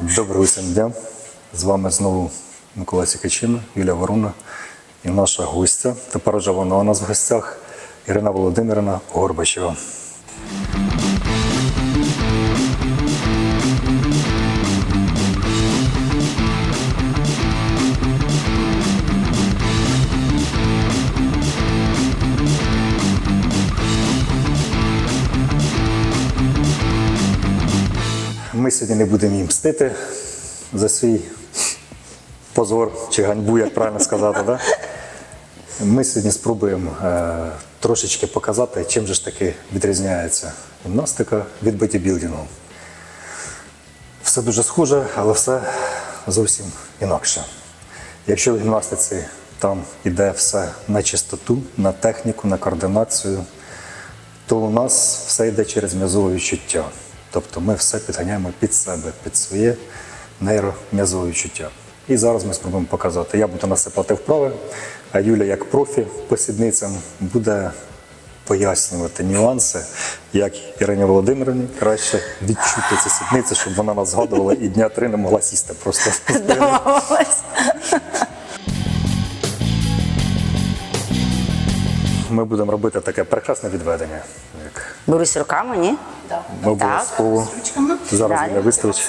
Доброго всім дня. З вами знову Микола Сікачина, Юлія Воруна і наша гостя. Тепер вже вона у нас в гостях Ірина Володимирівна Горбачева. Ми сьогодні не будемо їм мстити за свій позор чи ганьбу, як правильно сказати. Да? Ми сьогодні спробуємо трошечки показати, чим же ж таки відрізняється гімнастика від бодібілдингу. Все дуже схоже, але все зовсім інакше. Якщо в гімнастиці там іде все на чистоту, на техніку, на координацію, то у нас все йде через м'язове відчуття. Тобто ми все підганяємо під себе, під своє нейром'язове відчуття. І зараз ми спробуємо показати. Я буду насипати вправи, а Юля, як профі по сідницям, буде пояснювати нюанси, як Ірині Володимирівні краще відчути ці сідниці, щоб вона нас згадувала і дня 3 не могла сісти просто. Ми будемо робити таке прекрасне відведення. Берусь руками, ні? Ми обов'язково зараз Юля виставить.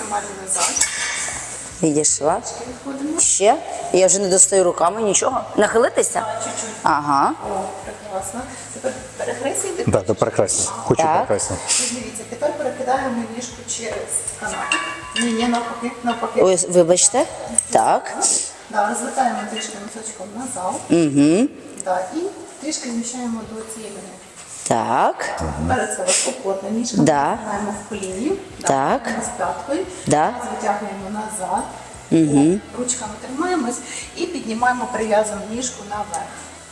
Відійшла. Ще? Я вже не достаю руками нічого. Нахилитися? Чуть-чуть. Ага. О, прекрасно. Тепер перехрестя йде. Так, то прекрасно. Хочу Так. прекрасно. Дивіться, тепер перекидаємо ніжку через канат. Ні, навпаки, навпаки. Ой, вибачте. Так. Да, розвертаємо трішки носочком назад. Угу. Да, і трішки зміщаємо до цієї лінії. Так. Перед себе спокійно, ніжка Да. витягуємо в коліні. Так. З п'яткою. Да. Витягуємо назад. Угу. Ручками тримаємось і піднімаємо прив'язану ніжку наверх.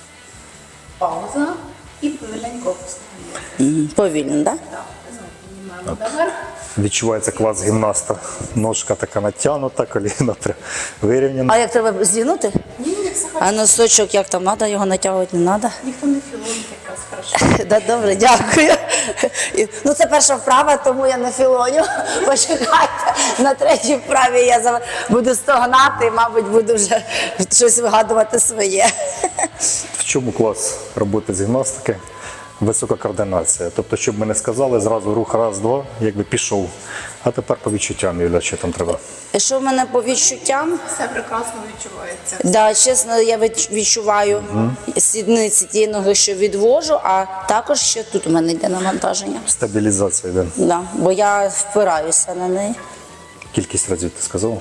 Пауза. І повільненько опускаємо. Повільно, так? Так, знову піднімаємо наверх. Відчувається клас гімнаста. Ножка така натягнута, коліна вирівняна. А як треба зігнути? Ні, як все А носочок як там треба, його натягувати не треба? ніхто не філонить якраз хорошо. Да, добре, дякую. Ну, це перша вправа, тому я не філоню. Почекайте, на третій вправі я буду стогнати і, мабуть, буду вже щось вигадувати своє. В чому клас роботи з гімнастики? Висока координація. Тобто, щоб ми не сказали, зразу рух раз, два, якби пішов. А тепер по відчуттям, Юля, що там треба? Що в мене по відчуттям? Все прекрасно відчувається. Да, чесно, я відчуваю сідниці тієї ноги, що відвожу, а також ще тут у мене йде навантаження. Стабілізація йде. Да, бо я впираюся на неї. Кількість разів ти сказала?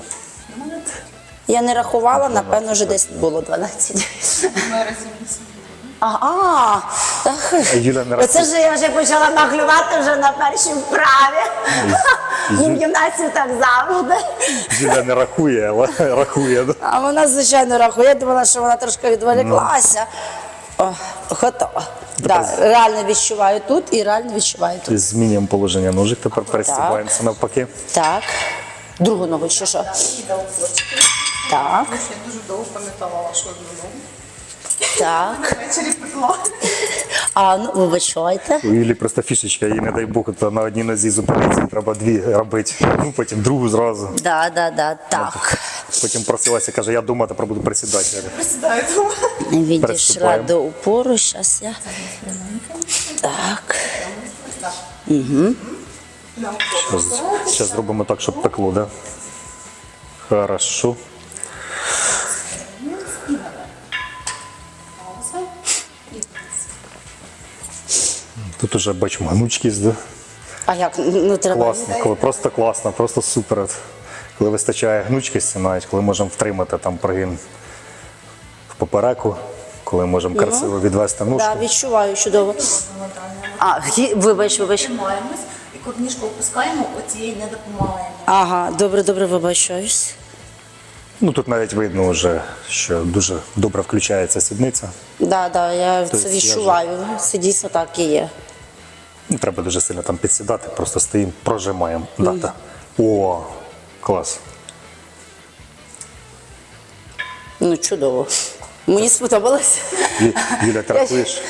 Я не рахувала, напевно, вже десь було 12. Ми разів Ага, так. Юля не Оце ж я вже почала нахлювати вже на першій вправі. В гімнасті так завжди. Юля не рахує, але рахує. Да? А вона, звичайно, рахує. Я думала, що вона трошки відволіклася. О, готова. Да, реально відчуваю тут і реально відчуваю тут. Змінюємо положення ножик, тепер пересібаємося навпаки. Так. Другу ногу, чи що? і дав плечики. Так, Тому що я дуже довго пам'ятала вашу одну ногу. так. Ввечері пекла. А, ну, вибачайте. У Юлі просто фішечка, їй не дай Бог, то на одній нозі зупиниться, треба дві робити, ну, потім другу зразу. Да, так. Потім просилася, каже, я дома тепер буду присідати. Присідаю дома. Відійшла Приступаємо. до упору, зараз я. Так. Зараз зробимо так, щоб пекло, да? Хорошо. Пауза. І Тут уже бачимо гнучкість, да? А як? Ну, треба. Класно, просто класно, просто супер. От. Коли вистачає гнучкості навіть, коли можемо втримати там прогин в попереку, коли можемо красиво відвести ножку. Так, відчуваю чудово. А, вибач. тримаємось. І коли ніжку опускаємо, оцієї не допомагаємо. Ага, добре, вибачаюсь. Ну тут навіть видно вже, що дуже добре включається сідниця. Да, я Тобто це я відчуваю. Це дійсно так і є. Не треба дуже сильно там підсідати, просто стоїмо, прожимаємо. Дата. О, клас. Ну, чудово. Мені сподобалось. Юля, ти рахуєш?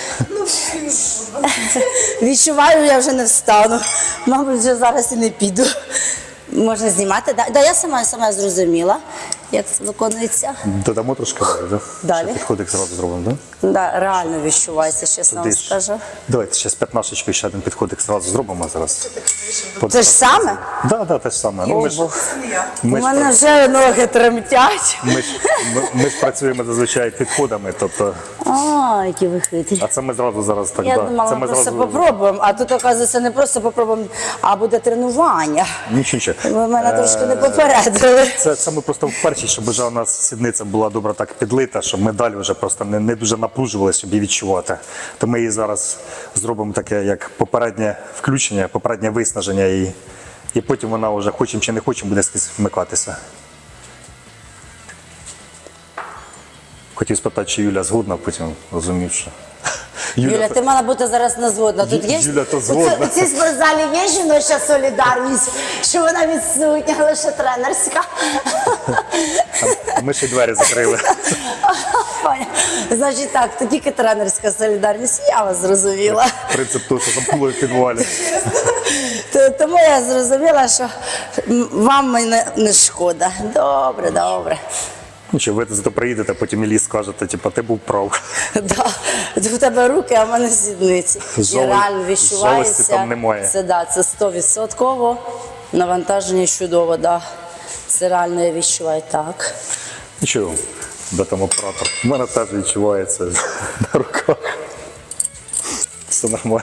Відчуваю, я вже не встану. Мабуть, вже зараз і не піду. Можна знімати, да? Да, я сама зрозуміла, як це виконується. Додамо трошки далі, да? Далі. Ще підходик зразу зробимо, да? Да, реально відчувається, чесно вам Туди ж. скажу. Давайте ще з п'ятнашечкою ще один підходик зразу зробимо зараз. Це ж саме? Да, те ж саме. Ну, ми ж, Це не я. У ми ж, мене вже ноги тремтять. ми ж працюємо зазвичай підходами, тобто, А, які ви хитрі. а це ми зразу зараз так, Я да. думала, Це ми ми просто зразу, попробуємо, а тут, оказується, не просто попробуємо, а буде тренування. нічого. Ви мене трошки не попередили. Це ми просто вперше, щоб вже у нас сідниця була добре так підлита, щоб ми далі вже просто не дуже напружувалися, щоб її відчувати. То ми її зараз зробимо таке, як попереднє включення, попереднє виснаження її. І потім вона вже, хочемо чи не хочемо, буде скрізь вмикатися. Хотів спитати, чи Юля згодна, потім розумів, що... Юля, ти мала бути зараз не згодна. Тут є Юля, то згодна. У цій спортзалі є жіноча солідарність, що вона відсутня, лише тренерська. Ми ще й двері закрили. Поняла. Значить так, то тільки тренерська солідарність, я вас зрозуміла. Принцип того, що замкнули в підвалі. Тому я зрозуміла, що вам мене не шкода. Добре, добре. Нічого, ви зато приїдете, потім Іллі скажете, типу, ти був прав. Да. У тебе руки, а в мене сідниці. І Жали- реально відчувається. жалості там немає. Це 100%. Навантаження чудово, да. Це реально я відчуваю так. Нічого, де там оператор. У мене теж відчувається на руках. Все нормально.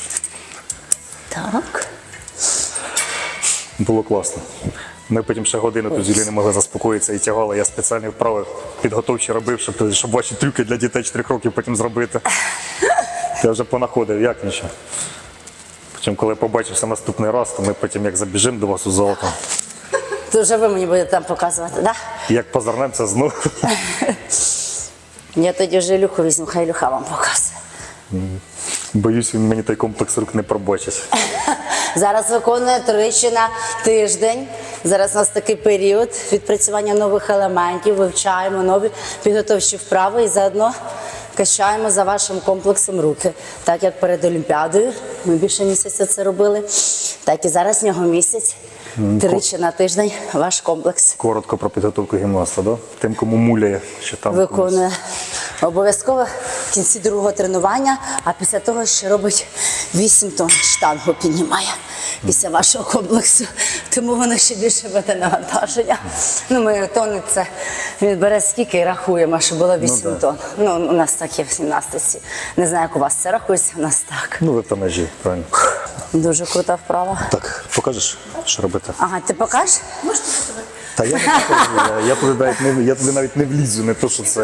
Так. Було класно. Ми потім ще годину тут з Юлією не могли заспокоїтися і тягали. Я спеціальні вправи підготовчі робив, щоб ваші трюки для дітей 4 років потім зробити. Я вже понаходив, як нічого. Потім, коли побачився наступний раз, то ми потім як забіжимо до вас у зал, то То вже ви мені будете там показувати, так? як позирнемося знову. Я тоді вже Ілюху візьму, хай Ілюха вам показує. Боюсь, він мені той комплекс рук не пробачить. Зараз виконує тричі на тиждень. Зараз у нас такий період відпрацювання нових елементів, вивчаємо нові підготовчі вправи і заодно качаємо за вашим комплексом руки. Так як перед Олімпіадою, ми більше місяця це робили, так і зараз в нього місяць, тричі на тиждень ваш комплекс Коротко про підготовку гімнаста, да? Тим, кому муляє, що там. виконує. Обов'язково в кінці другого тренування, а після того ще робить 8 тонн штангу піднімає після вашого комплексу. Тому воно ще більше буде навантаження. Ну, ми тонни це він бере скільки і рахуємо, що було 8 тонн. Ну, у нас так є в гімнастиці. Не знаю, як у вас це рахується, у нас так. Ну, ви в тонажі, правильно. Дуже крута вправа. Так, покажеш, що робити? Ага, ти покажеш? Та я не покажу, я туди навіть не влізу, не то, що це.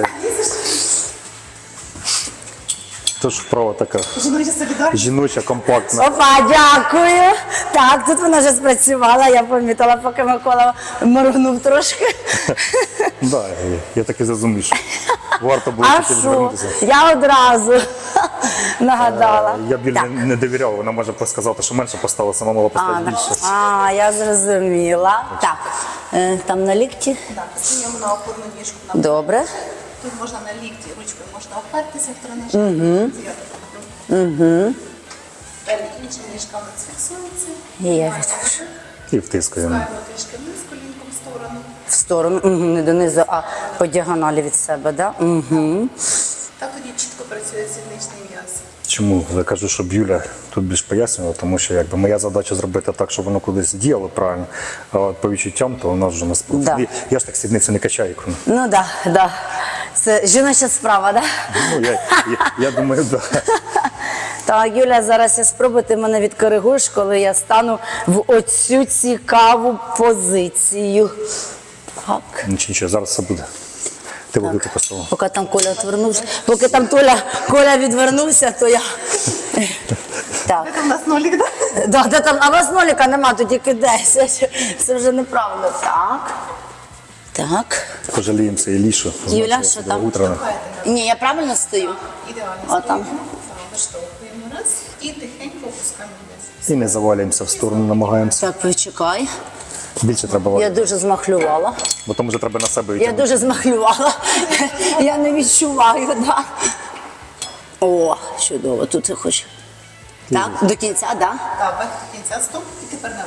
Тож вправа така Жіноча солідарність. жіноча, компактна. Опа, дякую. Так, тут вона вже спрацювала, я помітила, поки Микола моргнув трошки. Да, я так і зрозумів, що варто було А тільки що? звернутися. Я одразу нагадала. Я б Юлі Так. не довіряв, вона може сказати, що менше поставила, сама мала поставити більше. Я зрозуміла. Так, там на лікті. Так, стаємо на опорну ніжку. На Добре. Тут можна на лікті, ручкою можна опертися в тренажер. Угу. Далі інша ніжка у нас фіксується. І я відпишу. І втискаємо. Ставимо трішки вниз, колінком в сторону. В сторону, не донизу, а по діагоналі від себе, да? Угу. Так тоді чітко працює сідничний м'яз. Чому я кажу, щоб Юля тут більш пояснювала, тому що якби моя задача зробити так, щоб воно кудись діяло правильно, а от по відчуттям, то у нас вже не Да. Я ж так сідницю не качаю. Ну так, да, да. Це жіноча справа, так? Да? Ну, я думаю, так. Да. Так, Юля, зараз я спробую, ти мене відкоригуєш, коли я стану в оцю цікаву позицію. Так. Нічого, зараз все буде. Ти велику поставила. Поки там Коля відвернувся, поки там Коля відвернувся, то я. Так. Це у нас нолік, так? Да, де там, а у вас ноліка нема, то тільки 10. Це вже неправильно. Так. Так. Пожаліємося і лішу. Юля, що там? Утро. Ні, я правильно стою? Ідеально. Отам. Стоїмо, виштовхуємо раз і тихенько опускаємо вниз. І не завалюємося в сторону, намагаємося. Так, почекай. Більше треба Я валити, дуже змахлювала. бо тому вже треба на себе Я відтягнути. дуже змахлювала. Я не відчуваю, да. О, чудово, тут я хочу. Так, до кінця, да? Так, вверх до кінця, стоп, і тепер наверх.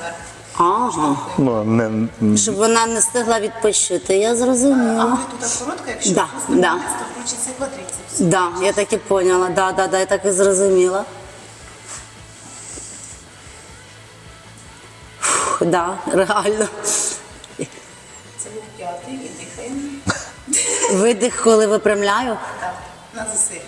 Ага. Ну, не, Щоб вона не встигла відпочити, я А зрозуміла. ви тут коротко, якщо Да, просто да. вниз, то включиться квадрицепс. Да, я так і поняла, да, я так і зрозуміла. Фух, да, реально. Це був п'ятий і дихаємо. Видих, коли випрямляю. Так, на засилі.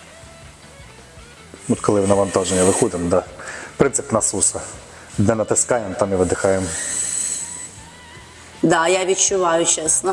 от коли в навантаження виходимо, да. Принцип насуса. Де натискаємо, там і видихаємо. Да, я відчуваю, чесно.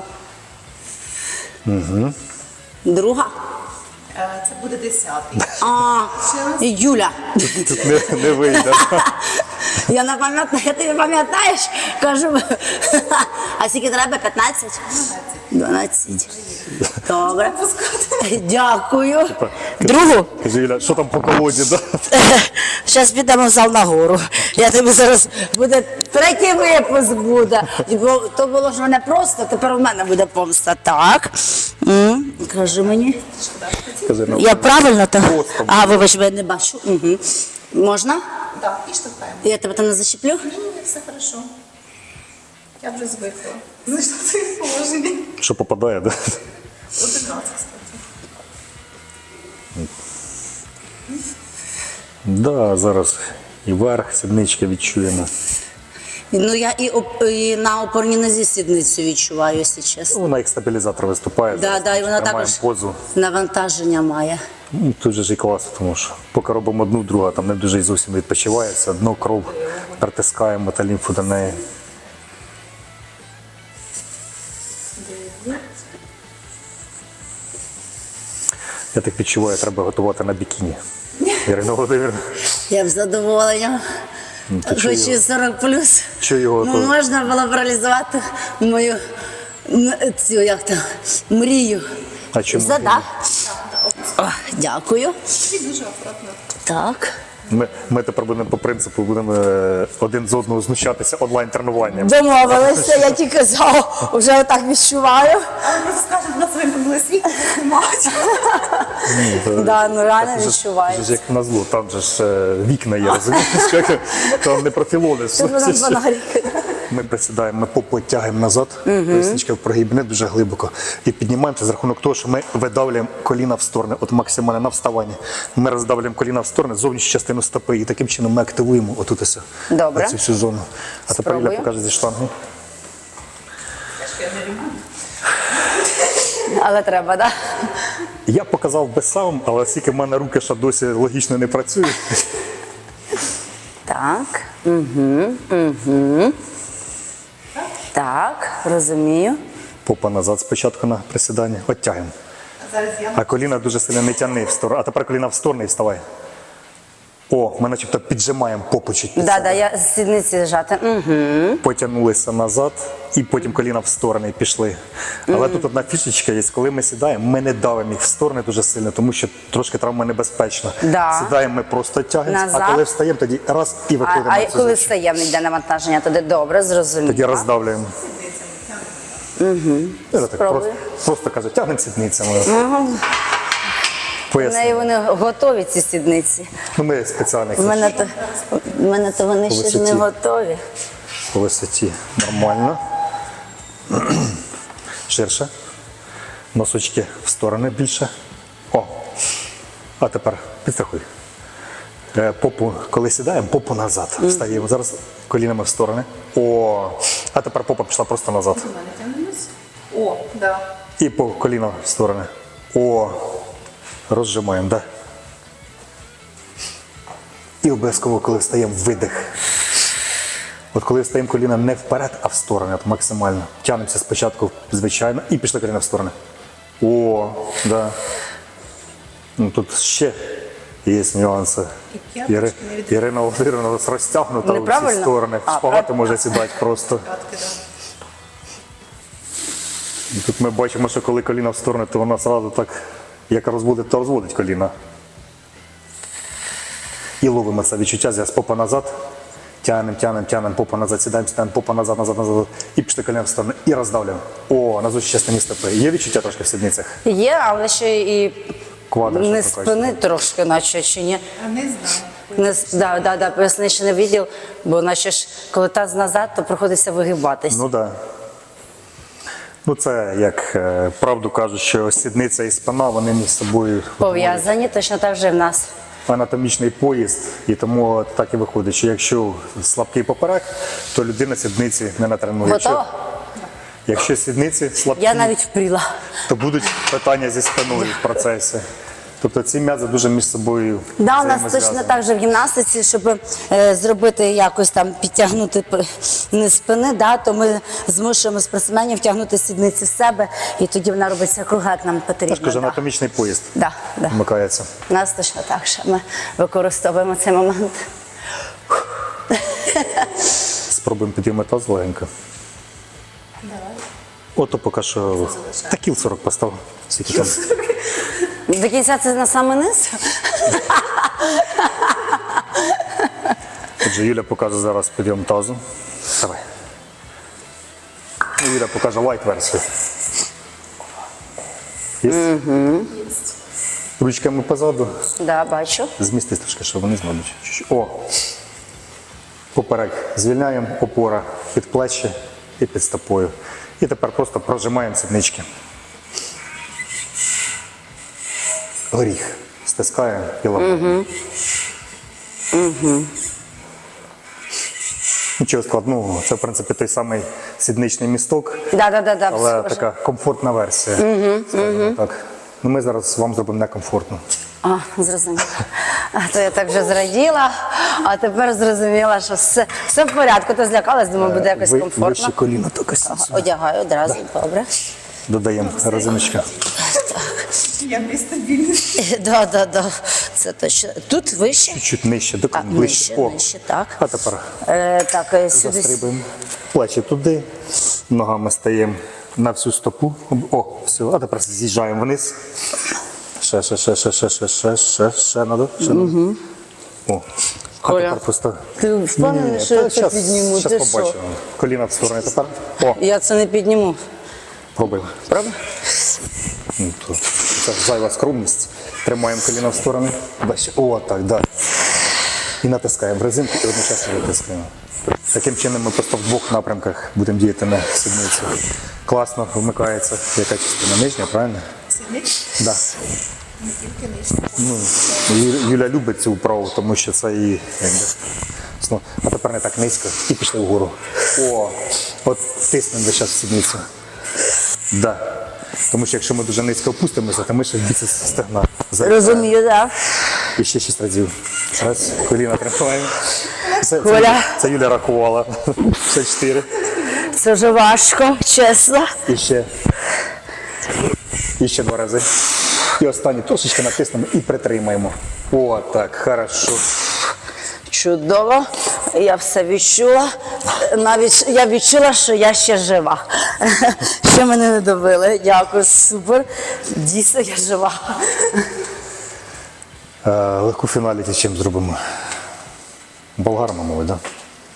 Угу. Друга? Це буде 10-й. А, Юля. Тут не вийде. Я не пам'ятаю, ти не пам'ятаєш? Кажу, а скільки треба? 15? 12. Добре. Дякую. Другу? Каже, Юля, що там по колоді, да? Зараз підемо в зал нагору. Я тобі зараз буде третій випуск буде. Бо то було ж мене просто, тепер у мене буде помста. Так. Кажи мені. Каже, ну, Я правильно так? Просто. А, вибач, бо я не бачу. Угу. Можна? Так, і штовхаємо. Я тебе там не защеплю? Ні, все хорошо. Я вже звикла. Знайшла своє положення. що попадає, да? 11, кстати. Да, зараз і верх, сіднички відчуємо. Ну я і на опорній нозі сідницю відчуваю, якщо чесно. Вона як стабілізатор виступає. Да, да, і вона Тримаємо також позу. навантаження має. Ну, тут же ж і класно, тому що поки робимо одну, друга, там не дуже і зовсім відпочивається. Дно кров притискаємо та лімфу до неї. Я так відчуваю, треба готувати на бікіні. Ірина Володимирівна, Я б задоволення. ти чого Хочу його? 40 плюс. Чого його Ну, то? можна було б реалізувати мою цю як там, мрію. А чому? Все, да? О, дякую. І дуже акуратно. Так. Ми тепер будемо по принципу будемо один з одного знущатися онлайн-тренуванням. Домовилися, я тільки вже отак відчуваю. Але просто скажуть, на своєму були світло, знімають. Да, ну реально Це ж відчувається. як назло, там же ж вікна є, розумієш? Там не профілони. Це будемо фонарики. Ми присідаємо, ми попу тягаємо назад, поясничка в прогиб, не дуже глибоко. І піднімаємося за рахунок того, що ми видавлюємо коліна в сторони, от максимально на вставанні. Ми роздавлюємо коліна в сторони, зовнішню частину стопи, і таким чином ми активуємо отут ось Добре. цю всю зону. А тепер Юля Спробую. покаже зі штанги. Але треба, так? Я показав би сам, але оскільки в мене руки ще досі логічно не працюють. Так. Так, розумію. Попа назад спочатку на присідання, оттягуємо. Зараз я А коліна дуже сильно не тягни в сторону. А тепер коліна в сторону і вставай. О, ми начебто піджимаємо попу чуть під Да, себе. да, я з сідниці зжати. Угу. Потягнулися назад і потім коліна в сторони пішли. Але тут одна фішечка є, коли ми сідаємо, ми не давимо їх в сторони дуже сильно, тому що трошки травмонебезпечно. Да. Сідаємо, ми просто тягнемося, Назад. а коли встаємо, тоді раз і виходимо А на цю коли зустріч. встаємо, йде навантаження, тоді добре, зрозуміло. Тоді роздавлюємо. Так, Спробуй. просто каже, тягнемо сідницями. В Поясню. неї вони готові, ці сідниці. Ну, ми спеціально В мене то вони ще ж не висоті. готові. по висоті нормально. Ширше. Носочки в сторони більше. О. А тепер підстрахуй. Попу, коли сідаємо, попу назад. Встаємо. Зараз колінами в сторони. О. А тепер попа пішла просто назад. до мене тягнемось. О, да. І по коліна в сторони. О. Розжимаємо, да? І обов'язково, коли встаємо, видих. От коли встаємо коліна не вперед, а в сторони, от максимально. Тягнемося спочатку, звичайно, і пішли коліна в сторони. О, да. Ну, тут ще є нюанси. І п'яточки не від- Ірина Володимирівна у нас розтягнута у всі Неправильно? сторони. А, Шпагати може сідати просто. П'ятки, да. І тут ми бачимо, що коли коліна в сторони, то вона одразу так, як розводить, то розводить коліна. І ловимо це відчуття, зараз попа назад, тягнемо, попа назад, сідаємо, попа назад, і пішли коліна в сторону, і роздавлюємо. О, на зустріч частині стопи. Є відчуття трошки в сідницях? Є, але ще і Квадр, не що спини трошки, наче чи ні. А не знаю. поясничний відділ, бо наче ж, коли таз назад, то приходиться вигибатись. Ну так. Да. Ну це як правду кажуть, що сідниця і спина, вони між собою Пов'язані, точно так же в нас. анатомічний поїзд, і тому так і виходить, що якщо слабкий поперек, то людина сідниці не натренує. Готово? Якщо сідниці слабкі, Я навіть впріла. то будуть питання зі спиною в процесі. Тобто ці м'язи дуже між собою Да, у нас взаємозв'язані. точно так же в гімнастиці, щоб зробити якось там підтягнути низ спини, да, то ми змушуємо спортсменів тягнути сідниці в себе, і тоді вона робиться круга, як нам потрібно. Я ж кажу, да. анатомічний поїзд Да. вмикається. У нас точно так, що ми використовуємо цей момент. Спробуємо підіймати таз легенько. Давай. Ото поки що та кіл 40 постав. Скільки там? До кінця це на самий низ. Отже, Юля покаже зараз підйом тазу. Давай. Ну, Юля покаже лайт-версію. Є? Ручками позаду. Да, бачу. Змістись трошки, щоб вони змогуть. Чуть-чуть. О! Поперек звільняємо, опора під плечі і під стопою. І тепер просто прожимаємо сіднички. Горіх. Стискаємо і ламаємо. Нічого складного. Це, в принципі, той самий сідничний місток, Да, але схоже. така комфортна версія. Скажімо так. Ну, ми зараз вам зробимо некомфортно. А, зрозуміла. А то я так вже зраділа, а тепер зрозуміла, що все в порядку. То злякалась, думаю, буде якось комфортно. Вище коліно тільки Одягаю одразу, добре. додаємо резиночка. Я нестабільний. Да. Це точно. Тут вище? Чуть-чуть нижче, до А, ближче. нижче, так. А тепер Так, сюди. застрибуємо. Плечі туди, ногами стаємо на всю стопу. О, все. А тепер з'їжджаємо вниз. Ще надо. О. А Коля, тепер просто. Ти впевнений, що я це підніму? Ти Зараз що? побачимо. Коліна в сторони тепер. О, Я це не підніму. пробуємо. Правда? Ну, то це ж зайва скромність. Тримаємо коліна в сторони. Бачите. О, так, да. І натискаємо в резинку і одночасно витискаємо. Таким чином ми просто в двох напрямках будемо діяти на сідницю. Класно вмикається. Яка частина? Нижня, правильно? Сидить? Да. Не тільки нижче. Ну, Юля любить цю вправу, тому що це її. Якби, а тепер не так низько і пішли вгору. О, от тиснемо весь час в сідницю. Да. Тому що якщо ми дуже низько опустимося, то ми ще в біці стегна. Розумію, так. І ще 6 разів. Раз, коліна тримаємо. Коля. Це Юля рахувала. Ще 4. Це вже важко, чесно. І ще 2 рази. І останній трошечки натиснемо і притримаємо. О, так, хорошо. Чудово. Я все відчула. Навіть я відчула, що я ще жива. Ще мене не добили. Дякую, супер. Дійсно, я жива. Легку фіналіті чим зробимо? Болгаром, мабуть, так? Да?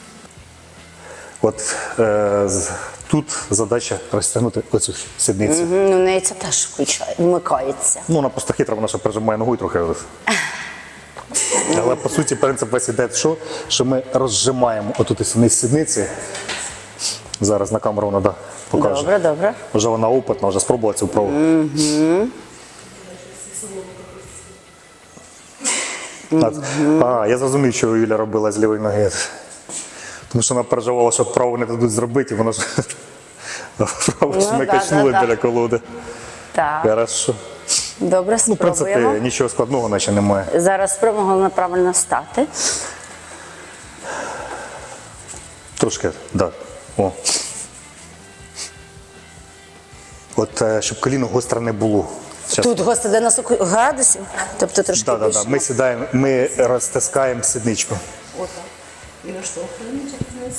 От тут задача розтягнути оцю сідницю. Ну, в неї це теж вмикається. Ну, вона просто хитра, вона ще прижимає ногою трохи. Але по суті принцип весь іде в що ми розжимаємо отут із низ сідниці. Зараз на камеру вона покаже. Добре. Вже вона опитна, вже спробувала цю вправу. Я зрозумів, що Юля робила з лівої ноги. Тому що вона переживала, що праву не дадуть зробити, і вона ж праву ж ми качнули біля колоди. Так. Хорошо. Добре, Ну, в принципі, спробуємо. нічого складного наче немає. Зараз спробуємо головне правильно стати. Трошки, так. Да. О. От щоб коліно гостре не було. Щас. Тут гости 90 градусів, тобто трошки Да. більше. Ми сідаємо, ми розтискаємо сідничку. Отак. І наштовхуємо вниз.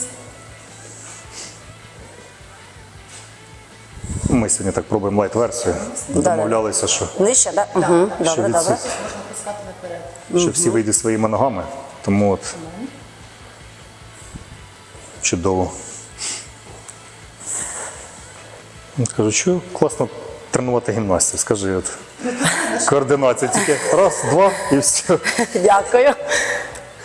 Ми сьогодні так пробуємо лайт-версію. Домовлялися, що Нижче, так? Угу. Що Добре, від добре. всіх? що всі вийдуть своїми ногами. Тому от чудово. Кажу, що класно тренувати гімнастів. Скажи, от. Координація тільки раз, два і все. Дякую.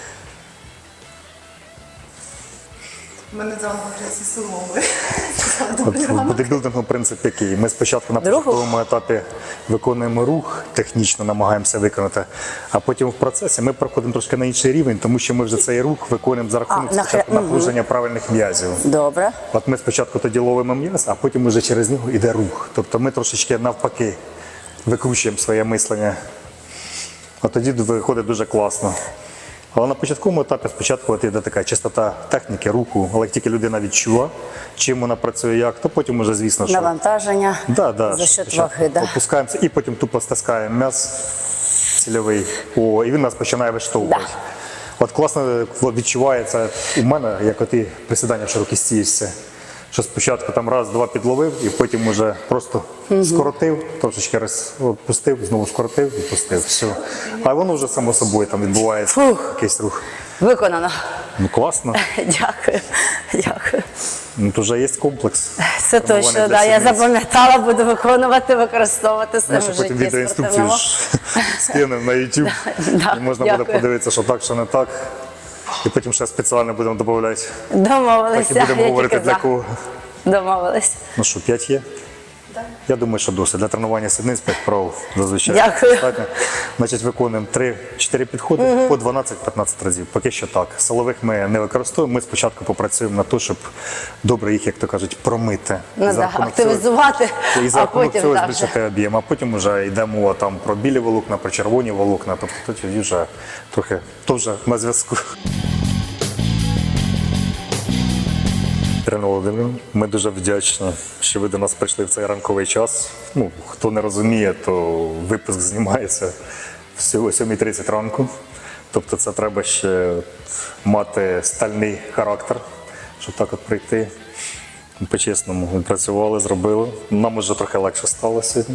мене заново вже зі соломи. От в бодибілдингу принцип який. Ми спочатку на Другу? початковому етапі виконуємо рух, технічно намагаємося виконати, а потім в процесі ми проходимо трошки на інший рівень, тому що ми вже цей рух виконуємо за рахунок спочатку напруження правильних м'язів. Добре. От ми спочатку тоді ловимо м'яз, а потім вже через нього йде рух. Тобто ми трошечки навпаки викручуємо своє мислення. А тоді виходить дуже класно. Але на початковому етапі спочатку от йде така чистота техніки, руху, але як тільки людина відчула, чим вона працює, як, то потім уже, звісно, що Навантаження да, за що счет спочатку ваги. Да. опускаємося і потім тупо стискаємо м'яз цільовий. О, і він нас починає виштовхувати. Да. От класно відчувається у мене, як от і присідання в широкій стійці. Що спочатку там раз-два підловив, і потім уже просто скоротив, трошечки розпустив, знову скоротив і пустив. Все. А воно вже само собою там відбувається Фух. якийсь рух. Виконано. Ну класно. Дякую. Дякую. Ну, то вже є комплекс. Це тренування точно, для да. Я сідниць. запам'ятала, буду виконувати, використовувати в Ми своєму ще потім житті відеоінструкцію спортивному. ж скинемо на YouTube. Да, І можна буде дякую. подивитися, що так, що не так. І потім ще спеціально будемо додавати. Домовилися. Так і будемо я говорити тільки для за. кого. Домовились. Ну що, 5 є? Я думаю, що досить. Для тренування сідниць 5 вправ зазвичай Дякую. достатньо. Значить, виконуємо 3-4 підходи по 12-15 разів. Поки що так. Силових ми не використовуємо. Ми спочатку попрацюємо на те, щоб добре їх, як то кажуть, промити. Ну, За да, рахунок цього- активізувати, І за а рахунок потім цього так. збільшити об'єм. А потім вже йде мова там про білі волокна, про червоні волокна. Тобто тоді вже трохи то вже на зв'язку. Ірина Володимирівна, ми дуже вдячні, що ви до нас прийшли в цей ранковий час. Ну, хто не розуміє, то випуск знімається всього о 7:30 ранку. Тобто це треба ще мати стальний характер, щоб так от прийти. По-чесному, ми працювали, зробили. Нам вже трохи легше стало сьогодні.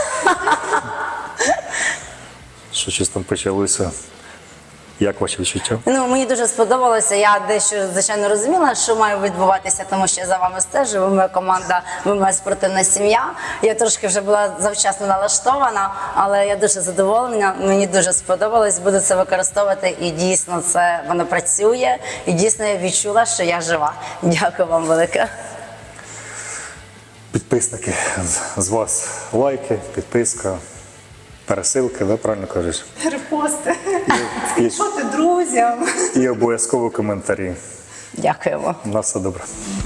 Що щось там почалося. Як ваші відчуття? Ну, мені дуже сподобалося. Я дещо, звичайно, розуміла, що має відбуватися, тому що я за вами стежу. Ви моя команда, ви моя спортивна сім'я. Я трошки вже була завчасно налаштована, але я дуже задоволена. Мені дуже сподобалось. Буду це використовувати, і дійсно це воно працює. І дійсно я відчула, що я жива. Дякую вам велике. Підписники, з вас лайки, підписка, пересилки, да, правильно кажеш? Репости. І, Що ти друзям? і обов'язково коментарі. Дякуємо. На все добре.